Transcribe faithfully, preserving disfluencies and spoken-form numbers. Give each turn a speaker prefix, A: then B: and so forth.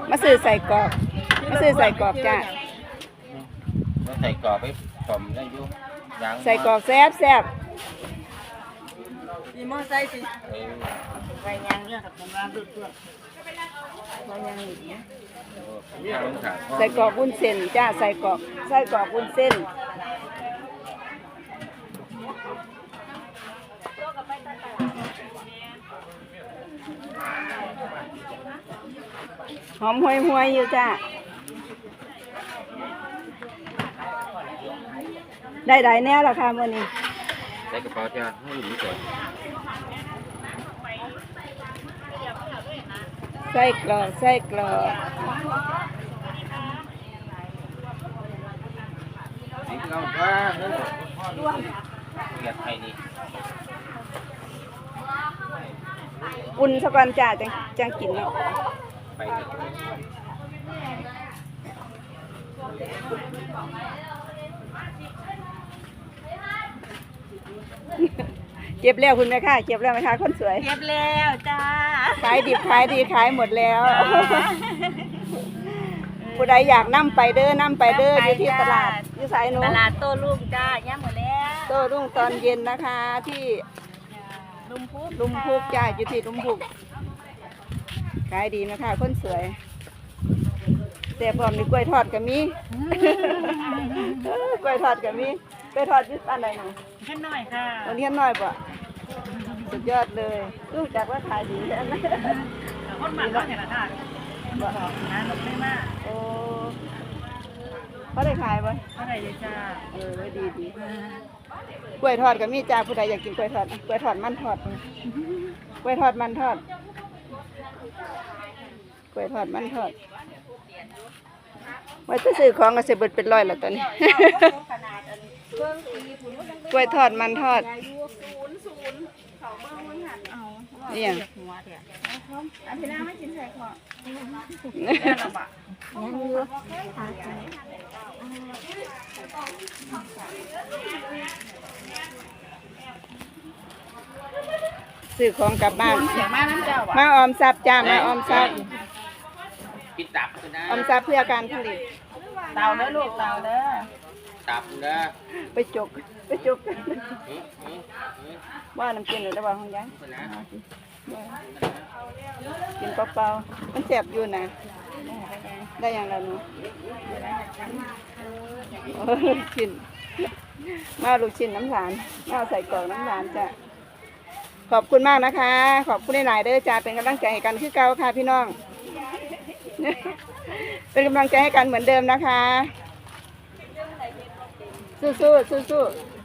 A: มาซื้อใส่กรอบมาซื้อใส่กรอบจ้า
B: มาใส่กรอบไปผมได้ยุ่ง
A: ใส่กรอกแซ่บแซ่บ
C: มีมอไซค์สิไปยางเนี่ยครับทำงานดุดด้วยไปยางอีกเนี่ย
A: ใส่กรอกวุ้นเส้นจ้าใส่กรอกใส่กรอกวุ้นเส้นหอมห่วยห่วยอยู่จ้าได้ได้แน่ละค่ะมื่อนี้
B: ใส่กระเป๋าจ้าให้หนูก่อน
A: ใส่กรอกใส่กรอก
B: นี่เราก็เนื้อเกียดไทยนี่
A: อุ่นสักวันจ้าจังจังกินเนาะ
B: ไป
A: เก็บแล้วคุณแม่ค่ะเก็บแล้วไหมคะคนสวย
C: เก็บแล้วจ้า
A: ขายดิบขายดีขายหมดแล้วผู้ใดอยากนั่ไปเด้อนั่ไปเด้ออยู่ที่ตลาดอยู่สายนู้น
C: ตลาดโต้รุ่งจ้าย่างหมดแล้ว
A: โต้รุ่งตอนเย็นนะคะที่
C: ลุมพุก
A: ลุมพุกจ้าอยู่ที่ลุมพุกขายดีนะคะคนสวยแต่พร้อมมีกล้วยทอดกับมีกล้วยทอดกับมีกล้วยทอดยึดอันไหนหนู
C: แค่น้อยค่ะ
A: วันนี้น้อยป่ะสุดยอดเลยรู้จักว่าขายดีใช่ไหม
C: คนมันก็เห็นละค่ะบอกนะหลบไม่มาก
A: โอ้เขาได้ขายป่ะ
C: เขาได้เลยจ้า
A: เออดีดีกล้วยทอดกับมีจ้าผู้ใดอยากกินกล้วยทอดกล้วยทอดมันทอดกล้วยทอดมันทอดกล้วยทอดมันทอดว่าจะซื้อของก็เสียเบิดเป็นร้อยแล้วตอนนี้กล้วยทอดมันทอดนี่ยังอันที่น้าไม่กินใส่ขอยังอยู่ซื้อของกลับบ้านมาออมทรัพย์จ้ามาออมทรัพย์
B: ปิดตับนะ
A: ออมทรัพย์เพื่อการผลิต
C: เตาเด้อลูกเตาเด้อ
B: ตับนะ
A: ไปจกไปจกว่าน้ำกินหรือระหว่างห้องยังกินเปล่าๆมันแสบอยู่นะได้อย่างไรหนูลูกชิ้นมาลูกชิ้นน้ำหวานมาใส่กล่องน้ำหวานจ้ะขอบคุณมากนะคะขอบคุณหลายๆเด้อจ้าเป็นกำลังใจให้กันคือเก่าค่ะพี่น้องเป็นกำลังใจให้กันเหมือนเดิมนะคะสู้ๆสู้ๆ